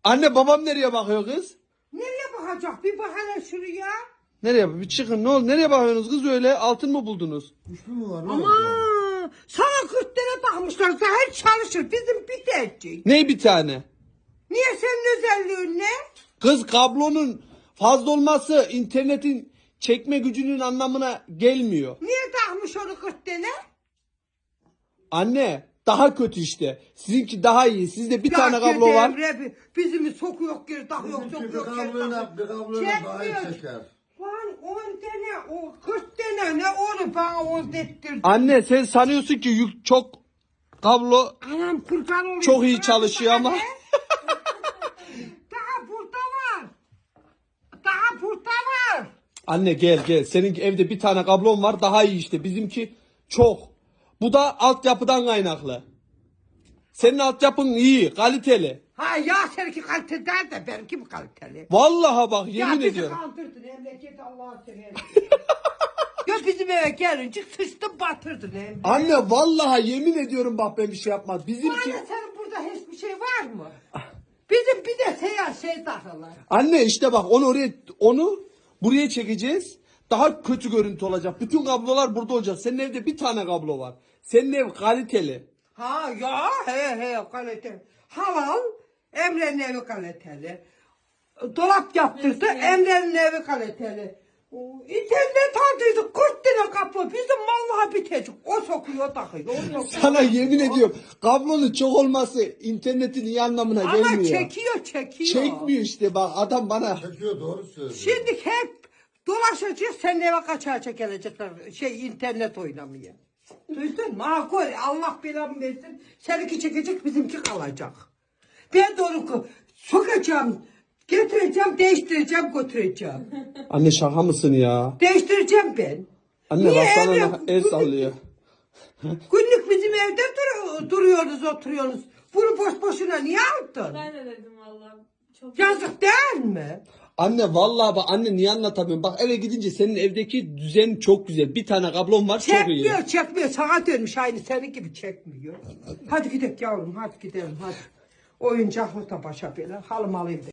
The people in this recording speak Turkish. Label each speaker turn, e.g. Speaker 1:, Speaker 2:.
Speaker 1: Anne babam nereye bakıyor kız?
Speaker 2: Nereye bakacak? Bir bak hele şuraya.
Speaker 1: Nereye? Bir çıkın ne oldu? Nereye bakıyorsunuz kız öyle? Altın mı buldunuz?
Speaker 3: Güçlü mü var? Ne
Speaker 2: Ama
Speaker 3: oldu?
Speaker 2: sana 40 tane takmışlar. Zahir çalışır. Bizim bir tercih.
Speaker 1: Ne bir tane?
Speaker 2: Niye senin özelliğin ne?
Speaker 1: Kız kablonun fazla olması internetin çekme gücünün anlamına gelmiyor.
Speaker 2: Niye takmış onu 40 tane?
Speaker 1: Anne daha kötü işte. Sizinki daha iyi. Sizde bir tane kablo var.
Speaker 2: Bizimi sokuyor geri takıyor,
Speaker 3: Bizimki bir
Speaker 2: sokuyor geri takıyor.
Speaker 3: kabluyla daha iyi çeker.
Speaker 2: Lan 10 tane, o 40 tane ne onu bana o dettirdi.
Speaker 1: Anne sen sanıyorsun ki yük çok kablo
Speaker 2: Anam kurban olayım.
Speaker 1: çok iyi
Speaker 2: Bırak
Speaker 1: çalışıyor
Speaker 2: bana
Speaker 1: ama.
Speaker 2: ne? Daha burada var. Daha burada var.
Speaker 1: Anne gel. Senin evde bir tane kablon var daha iyi işte. Bizimki çok. Bu da altyapıdan kaynaklı. Senin altyapın iyi, kaliteli.
Speaker 2: Ha ya seninki kaliteli değil de benimki mi kaliteli?
Speaker 1: Vallahi bak yemin
Speaker 2: Ya bizi
Speaker 1: ediyorum.
Speaker 2: kandırdın memleket Allah'a seversen. Ya bizim eve gelince sıçtın batırdın hem.
Speaker 1: Anne vallahi yemin ediyorum bak ben bir şey yapmadım. Bizimki...
Speaker 2: Anne senin burada hiçbir şey var mı? Bizim bir de şey takılar.
Speaker 1: Anne işte bak onu buraya çekeceğiz. Daha kötü görüntü olacak. Bütün kablolar burada olacak. Senin evde bir tane kablo var. Senin ev kaliteli.
Speaker 2: Ha ya he kaliteli. Halal Emre'nin evi kaliteli. Dolap yaptırdı Emre'nin evi kaliteli. İnternet aldıydık 40 tane kapı bizim vallahi bitecek. O sokuyor takıyor. O sokuyor.
Speaker 1: Sana yemin ediyorum kablonun çok olması internetin iyi anlamına
Speaker 2: Ama
Speaker 1: gelmiyor.
Speaker 2: çekiyor.
Speaker 1: Çekmiyor işte bak adam bana.
Speaker 3: Çekiyor doğru söylüyor.
Speaker 2: Şimdi hep dolaşacağız senin eve kaçağa gelecekler internet oynamaya. Duydun mu? Ha koy Allah belamı versin. Seninki çekecek bizimki kalacak. Ben de onu sokacağım, getireceğim, değiştireceğim, götüreceğim.
Speaker 1: Anne şaka mısın ya?
Speaker 2: Değiştireceğim ben.
Speaker 1: Anne
Speaker 2: Niye
Speaker 1: bak sana
Speaker 2: Emre?
Speaker 1: el sallıyor.
Speaker 2: Günlük bizim evde duruyoruz, oturuyoruz. Bunu boş boşuna niye aldın?
Speaker 4: Ben de dedim valla. Çok
Speaker 2: Yazık değil mi?
Speaker 1: Anne vallahi bak anne niye anlatamıyorum? Bak eve gidince senin evdeki düzen çok güzel. Bir tane kablon var çok iyi.
Speaker 2: Çekmiyor. Sana dönmüş aynı senin gibi çekmiyor. Hadi gidelim yavrum, hadi gidelim, hadi. Oyuncaklı da başa böyle, halım alayım.